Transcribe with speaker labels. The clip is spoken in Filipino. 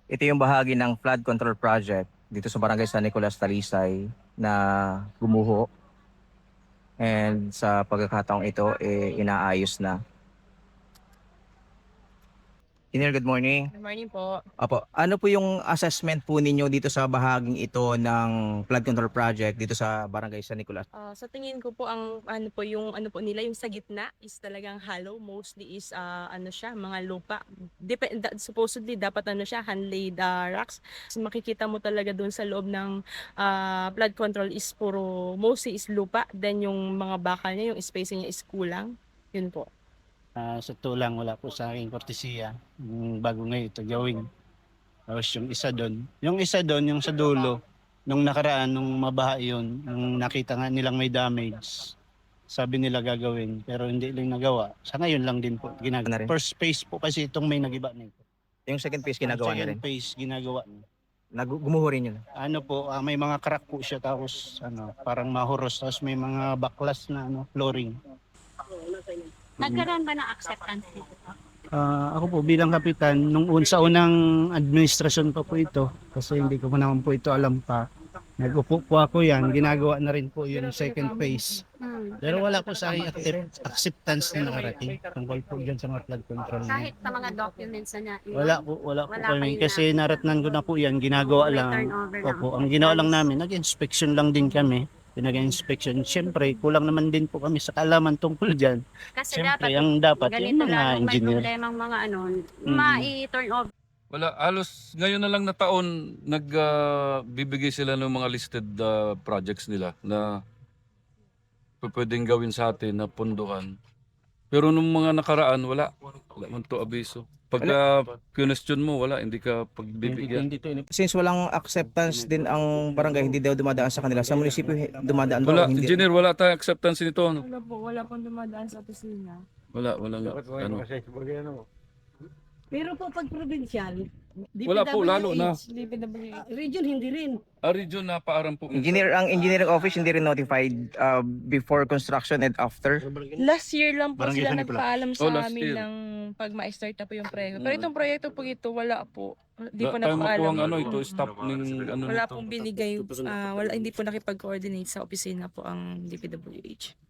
Speaker 1: Ito yung bahagi ng flood control project dito sa Barangay San Nicolas, Talisay na gumuho. And sa pagkakataong ito, inaayos na. Engineer, good morning.
Speaker 2: Good morning po.
Speaker 1: Apo, ano po yung assessment po ninyo dito sa bahaging ito ng flood control project dito sa Barangay San Nicolas?
Speaker 2: Sa tingin ko po ang ano po nila yung sa gitna is talagang hollow, mostly is ano siya, mga lupa. Supposedly dapat ano siya, hand-laid rocks. So, makikita mo talaga doon sa loob ng flood control is puro mostly is lupa, then yung mga bakal niya, yung spacing niya is kulang. Yun po.
Speaker 3: Sa tulang wala po sa aking kortesiya. Yung bago ngayon ito gawin. Tapos yung isa doon, yung sa dulo, nung nakaraan, nung mabaha yun, nung nakita nga nilang may damage, sabi nila gagawin, pero hindi lang nagawa. Sa ngayon lang din po ginagawa. First phase po kasi itong may nagiba nito.
Speaker 1: Yung second phase ginagawa na rin?
Speaker 3: Second phase ginagawa na.
Speaker 1: Gumuho rin yun?
Speaker 3: Ano po, may mga crack po siya tapos parang mahuros. Tapos may mga baklas na flooring.
Speaker 4: Nagkaroon ba ng acceptance dito?
Speaker 3: Ako po bilang kapitan, sa unang administrasyon pa po ito, kasi hindi ko pa naman po ito alam pa, nag-upo po ako yan, ginagawa na rin po yung second phase. Pero wala po sa akin acceptance na nakarating tungkol po dyan sa mga flood control.
Speaker 4: Kahit sa mga documents na niya?
Speaker 3: Wala po kami, kasi naratnan ko na po yan, ginagawa lang. Opo, ang ginawa lang namin, nag-inspection lang din kami. Pinag-inspection. Siyempre, kulang naman din po kami sa kaalaman tungkol dyan.
Speaker 4: Kasi
Speaker 3: Siyempre,
Speaker 4: dapat
Speaker 3: yung
Speaker 4: ganito
Speaker 3: mga
Speaker 4: lang, may
Speaker 3: engineer.
Speaker 4: problemang mga ma-turn over.
Speaker 5: Wala, halos ngayon na lang na taon nagbibigay sila ng mga listed projects nila na pwedeng gawin sa atin na punduhan. Pero nung mga nakaraan, wala man to abiso. Pagka question mo, wala, hindi ka pagbibigyan.
Speaker 1: Since walang acceptance din ang barangay, hindi daw dumadaan sa kanila. Sa munisipyo, dumadaan ba
Speaker 5: Wala,
Speaker 1: o hindi?
Speaker 5: engineer, wala tayong acceptance nito.
Speaker 2: Wala pong dumadaan sa opisina.
Speaker 5: Wala nga. Ano.
Speaker 6: Pero po pag provincial,
Speaker 5: Wala po, lalo na.
Speaker 6: Region hindi rin.
Speaker 5: Region na paaram po.
Speaker 1: Ang engineering office hindi rin notified before construction and after?
Speaker 2: Last year lang po
Speaker 3: Barangay
Speaker 2: sila
Speaker 3: San Nicolas.
Speaker 2: nagpaalam sa
Speaker 5: last
Speaker 2: amin
Speaker 5: year.
Speaker 2: ng pag ma-start na po yung proyekto. Pero itong proyekto po ito, wala po. Hindi po
Speaker 5: Tayo
Speaker 2: napaalam.
Speaker 5: makuha ito, stop ng ano
Speaker 2: Wala
Speaker 5: nito.
Speaker 2: pong binigay, hindi po nakipag-coordinate sa opisina po ang DPWH.